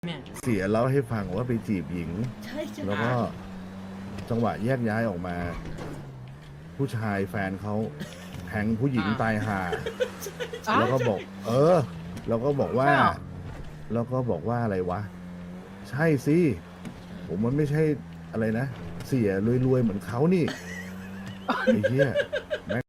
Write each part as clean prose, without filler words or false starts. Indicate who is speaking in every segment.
Speaker 1: เนี่ย
Speaker 2: เสียเล่าให้ฟังว่าไปจีบหญิง
Speaker 3: ใช่ใช่
Speaker 2: แล้วก็จังหวะแยกย้ายออกมา ผู้ชายแฟนเขาแทงผู้หญิงตายห่าแล้วก็บอก แล้วก็บอกว่า
Speaker 1: ใช่เหรอ
Speaker 2: แล้วก็บอกว่าอะไรวะ ใช่สิ ผมมันไม่ใช่อะไรนะ เสียรวยๆเหมือนเขานี่ ไอ้เหี้ยแม่ง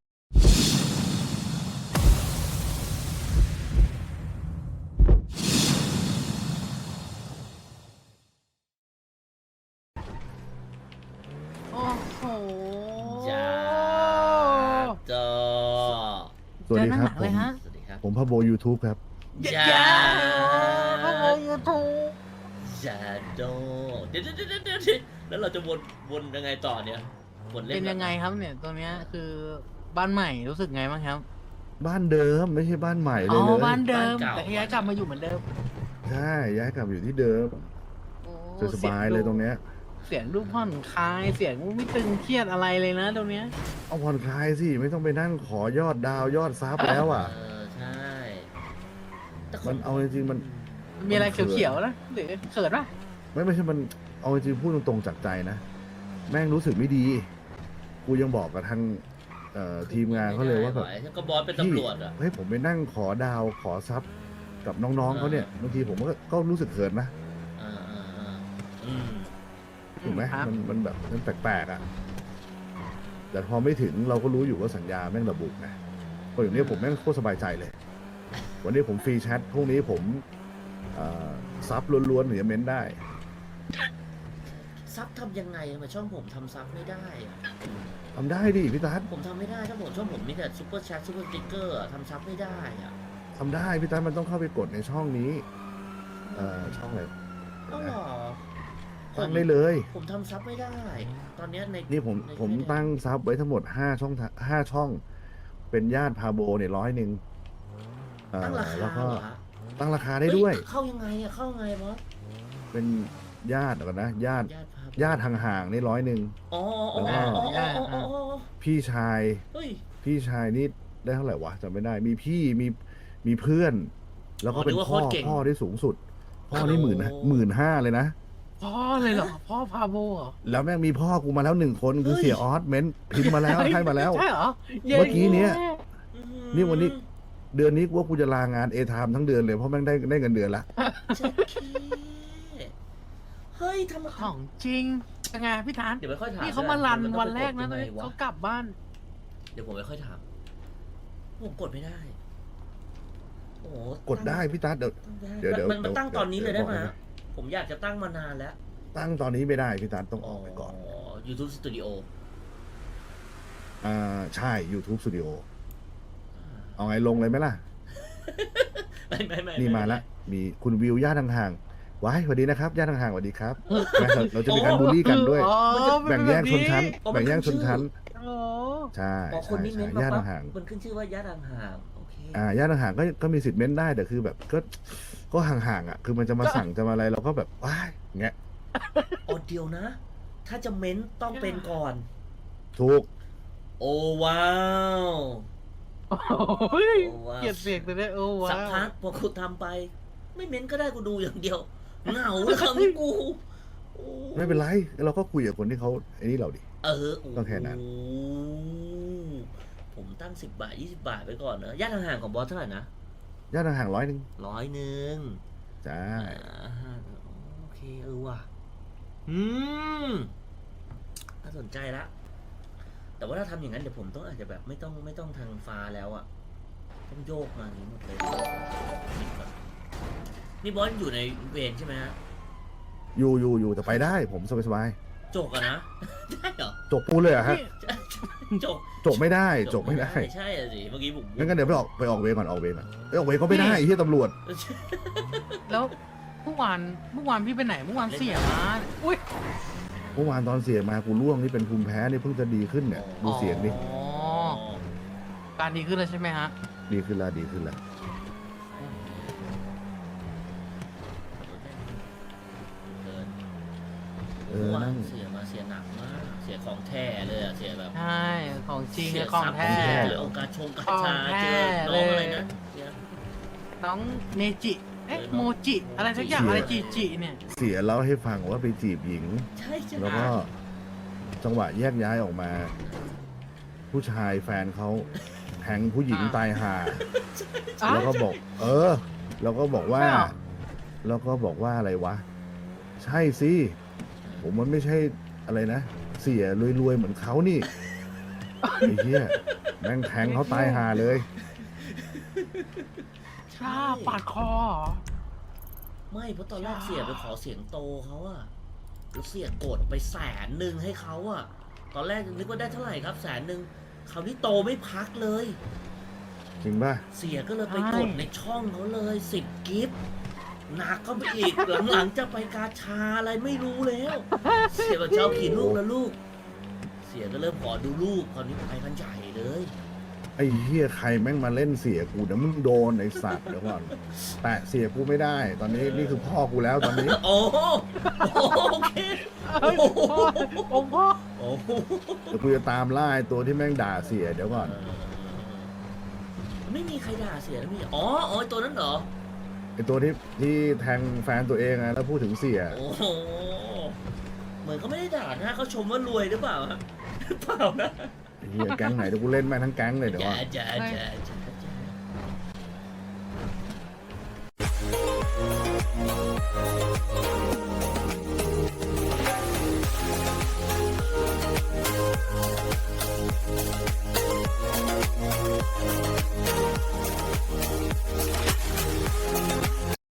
Speaker 1: โอ้โห
Speaker 3: จ้าจอ
Speaker 2: สวัสดีครับ
Speaker 1: เจอหนังเลยฮะ
Speaker 3: สวัสดีครับ
Speaker 2: ผมพะโบ YouTube ครับ
Speaker 3: จ้า
Speaker 1: พวกเรายูทูบ
Speaker 3: จ้าโดเดี๋ยวแล้วเราจะวนยังไงต่อเนี่ยวนเล่น
Speaker 1: เป็นยังไงครับเนี่ยตัวเนี้ยคือบ้านใหม่รู้สึกไงบ้างครับ
Speaker 2: บ้านเดิมไม่ใช่บ้านใหม่เล
Speaker 1: อ๋
Speaker 2: ย
Speaker 1: อ
Speaker 2: เลย
Speaker 1: บ้านเดิมแต่ย้ายกลับมาอยู่เหมือนเดิม
Speaker 2: ใช่ย้ายกลับอยู่ที่เดิม
Speaker 1: โอ้
Speaker 2: สบายๆเลยตรงเนี้ย
Speaker 1: เสียงดูผ่อนคลายเสียงไม่ตึงเครียดอะไรเลยนะตรงเนี้ย
Speaker 2: เอาผ่อนคลายสิไม่ต้องไปนั่งขอยอดดาวยอดซับแล้วอ่ะ
Speaker 3: ใช่แต่ค
Speaker 2: มันเอาจริงๆมัน
Speaker 1: มีอะไร
Speaker 2: มันเขิน
Speaker 1: เขียวๆนะหรือเขินปะ
Speaker 2: ไม่ใช่มันเอาจริงๆพูดตรงๆจากใจนะ แม่งรู้สึกไม่ดี กูยังบอกกับทางทีมงานเขาเลยว่าแบบ
Speaker 3: ก็บอสเป็นตำรวจอ่ะ
Speaker 2: เฮ้ยผมไปนั่งขอดาวขอซับกับน้องๆเขาเนี่ยบางทีผมก็รู้สึกเขินนะ
Speaker 3: อ่าอืม
Speaker 2: ถูกไหม
Speaker 1: ครับ
Speaker 2: มันแบบมันแปลกๆอ่ะแต่พอไม่ถึงเราก็รู้อยู่ว่าสัญญาแม่งระบุไงพออย่างนี้ผมแม่งโคตรสบายใจเลย วันนี้ผมฟรีแชทพรุ่งนี้ผมซับล้วนๆหรือจะเม้นได้
Speaker 3: ซับทำยังไงทำไมช่องผมทำซับไม่ได้อะ
Speaker 2: ทำได้ดิพี่ตั๊ด
Speaker 3: ผมทำไม่ได้ช่องผมมีแต่ซุปเปอร์แชทซุปเปอร์สติ๊กเกอร์ทำซับไม่ได้อ่ะ
Speaker 2: ทำได้พี่ตั๊ดมันต้องเข้าไปกดในช่องนี้ช่องอะไร
Speaker 3: ก็หรอ
Speaker 2: ตั้งได้เลย
Speaker 3: ผมทำซับไม่ได้ ตอนเนี้ยใน
Speaker 2: นี่ผม
Speaker 3: ใน
Speaker 2: ผม
Speaker 3: เฟซ
Speaker 2: ตั้งซับไว้ทั้งหมด5 ช่อง เป็นญาติพาโบเนี่ย100
Speaker 3: ตั้งรา
Speaker 2: แล้
Speaker 3: คาว
Speaker 2: ก็
Speaker 3: เหรอฮะ
Speaker 2: ตั้งราคาได้ด้วย
Speaker 3: เฮ้เข้ายังไงอะเข้ายังไงบอส
Speaker 2: เป็นญาติก่อนนะญาติ
Speaker 3: ญาติพา
Speaker 2: ญาติห่างๆนี่
Speaker 3: อ๋อ
Speaker 2: พี่ชาย
Speaker 3: เฮ้ย
Speaker 2: พี่ชายนี่ได้เท่าไหร่วะจำไม่ได้ มีพี่มีเพื่อน แล้วก็เป็นพ่อที่สูงสุด พ่อนี่15,000เลยนะ
Speaker 1: พ่อเลยเหรอพ่อพาโบเหรอ
Speaker 2: แล้วแม่งมีพ่อกูมาแล้ว1 คนคือเสียออสเม้นพิมพ์มาแล้วให้มาแล้ว
Speaker 1: ใช่เหรอ
Speaker 2: เมื่อกี้เนี้ย
Speaker 3: อื้อหือ
Speaker 2: นี่วันนี้ เดือนนี้ว่ากูจะลางานเอทามทั้งเดือนเลยเพราะแม่งได้เงินเดือนละ
Speaker 3: เจ๊เฮ้ยทำ
Speaker 1: ของจริงยังไงพี่ทาน
Speaker 3: เดี๋ยวไม่ค่อยถาม
Speaker 1: นี่เขามารัน
Speaker 3: ดี๋ย
Speaker 1: วันแรก
Speaker 3: ต้
Speaker 1: นะ
Speaker 3: อง
Speaker 1: ตอน
Speaker 3: ไป
Speaker 1: นี้
Speaker 3: ดยังไงวะ
Speaker 1: เขากลับบ้าน
Speaker 3: เดี๋ยวผมไม่ค่อยถามผมกดไม่ได้ โอ้โห
Speaker 2: กดได้พี่ตั๊ดเดี๋ยว
Speaker 3: มันตั้งตอนนี้เลยได้ไหม
Speaker 2: เดี๋ยวบอก
Speaker 3: ฮะผมอยากจะตั้งมานานแล้ว
Speaker 2: ตั้งตอนนี้ไม่ได้พี่ตั๊ดต้องออกไปก่อน
Speaker 3: YouTube Studio
Speaker 2: ใช่ YouTube Studio เอาไงลงเลยไหมล่ะ
Speaker 3: ไม่
Speaker 2: นี่มาละมีคุณวิวญาติห่างๆว้ายสวัสดีนะครับญาติห่างๆสวัสดีครับแม่เราจะมีการบูลลี่กันด้วย
Speaker 1: อ๋อ
Speaker 2: แบ่งแยกชนชั้น
Speaker 3: อ๋อมัน
Speaker 2: แบ่งแยกชนชั้น
Speaker 1: โอ้
Speaker 2: ใช่
Speaker 3: พอคนนี้เม้นต์
Speaker 2: ญาติ
Speaker 3: มาปั๊บ
Speaker 2: ห่าง
Speaker 3: มันขึ้นชื่อว่าญาติห่างๆโอเค
Speaker 2: ญาติห่างๆก็มีสิทธิ์เม้นได้แต่คือแบบก็ห่างๆอ่ะคือมันจะมาสั่งจะมาอะไรเราก็แบบว้ายเงี้ย
Speaker 3: อ๋อเดียวนะ ถ้าจะเม้นต้องเป็นก่อน
Speaker 2: ถูก
Speaker 3: โอ้ว้าว
Speaker 1: โอ้ย
Speaker 3: โอ้ว้าว
Speaker 1: เกลียดเสียงตัวเนี้ยโอ้ว้า
Speaker 3: สัก
Speaker 1: ว
Speaker 3: พักพอกูทำไป ไม่เม้นก็ได้กูดูอย่างเดียวเหงาเลยคราวนี้กูโอ้
Speaker 2: ไม่เป็นไรเราก็คุยกับคนที่เขาไอ้นี่เราดิ
Speaker 3: เออโ
Speaker 2: ต้องแค่นั้น
Speaker 3: ผมตั้ง10 บาท20 บาทไปก่อนนะญาติห่างๆของบอสเท่าไหร่นะ
Speaker 2: ญาติห่างๆ100
Speaker 3: 100
Speaker 2: จ้า
Speaker 3: โอเคว่ะน่าสนใจละแต่ว่าถ้าทำอย่างนั้นเดี๋ยวผมต้องอาจจะแบบไม่ต้องทางฟ้าแล้วอะต้องโยกมาอย่างนี้หมดเลยนี่บอสอยู่ในเวรใช่ไหมฮะ
Speaker 2: อยู่แต่ไปได้ผมสบาย
Speaker 3: จกอะนะ ได้เหรอ
Speaker 2: ๆจบปูเลยเหรอะฮะ
Speaker 3: จก
Speaker 2: จบไม่ได้จบไม่ได้
Speaker 3: ใช่อะสิเมื่อกี้ผม
Speaker 2: งั้นเดี๋ยวไปออกเวรก่อนออกเวรก็ไม่ได้ไอ้ที่ตำรวจ
Speaker 1: แล้วเมื่อวานพี่ไปไหนเมื่อวานเสียมาอุ้ย
Speaker 2: เมื่อวานตอนเสียมากูร่วงนี่เป็นภูมิแพ้นี่เพิ่งจะดีขึ้นเนี่ยดูเสียงดิ
Speaker 1: อ๋อการดีขึ้นแล้วใช่ไหมฮะ
Speaker 2: ดีขึ้นแล้ว นั่ง
Speaker 3: เสียมาเสียหนักมากเสียของแท้เลยอะเสียแบบ
Speaker 1: ใช่ของจริง
Speaker 3: เสี
Speaker 1: เนี่ย
Speaker 3: ย
Speaker 1: ของ
Speaker 3: ทรัพย์
Speaker 1: แท้
Speaker 3: เจอโอกาสชงกาชา
Speaker 1: ของแท้
Speaker 3: เจอน้องอะไร
Speaker 1: เลย
Speaker 3: นะเสีย
Speaker 1: น้องเนจิอ๊ะโมจิอะไรสักอย่างอะไรจีจีเนี่ย
Speaker 2: เสียเล่าให้ฟังว่าไปจีบหญิง
Speaker 3: ใช่ใช่
Speaker 2: แล้วก็จังหวะแยกย้ายออกมา ผู้ชายแฟนเขาแทงผู้หญิงตายห่า แล้วก็บอก แล้วก็บอกว่า
Speaker 1: ใช่เหรอ
Speaker 2: แล้วก็บอกว่าอะไรวะ ใช่สิ ผมมันไม่ใช่อะไรนะ เสียรวยๆเหมือนเขานี่ ไอ้เหี้ยแม่งแทงเขาตายห่าเลย
Speaker 1: ชาปาดคอเหรอ
Speaker 3: ไม่เพราะตอนแรกเสียไปขอเสียงโตเขาอะแล้วเสียกดไป100,000ให้เขาอะตอนแรกนึกว่าได้เท่าไหร่ครับ100,000คราวนี้โตไม่พักเลย
Speaker 2: จริงป่ะ
Speaker 3: เสียก็เลยไปกดในช่องเขาเลย10 กิฟต์หนักก็ไปอีก หลังๆจะไปกาชาอะไรไม่รู้แล้ว เสียกับเจ้าขี่ลูกแล้วลูก เสียก็เริ่มขอดูลูกคราวนี้ไปกันใหญ่เลย
Speaker 2: ไอ้เหี้ยใครแม่งมาเล่นเสียกูเดี๋ยวมึงโดนไอ้สัตว์เดี๋ยวก่อน แตะเสียกูไม่ได้ ตอนนี้นี่คือพ่อกูแล้วตอนนี้
Speaker 3: โอ้โหโอเค
Speaker 1: เฮ้ยพ่อองค์พ่อ
Speaker 3: โอ้โห
Speaker 2: เดี๋ยวกูจะตามล่าไอ้ตัวที่แม่งด่าเสียเดี๋ยวก่อน
Speaker 3: ไม่มีใครด่าเสียแล้วมีอ๋อไอ้ตัวนั้นเหรอ
Speaker 2: ไอ้ตัวที่แทงแฟนตัวเองอะแล้วพูดถึงเสีย
Speaker 3: โอ้โหเหมือนเขาไม่ได้ด่านะเขาชมว่ารวยหรือเปล่าฮะเปล่านะ
Speaker 2: ไอ้เหี้ยแก๊งไหนเดี๋ยวกูเล่นแม่งทั้งแก๊งเลยเดี๋ยว
Speaker 3: จ้า
Speaker 2: ก่อน
Speaker 3: จ้าจ้าจ้าจ้า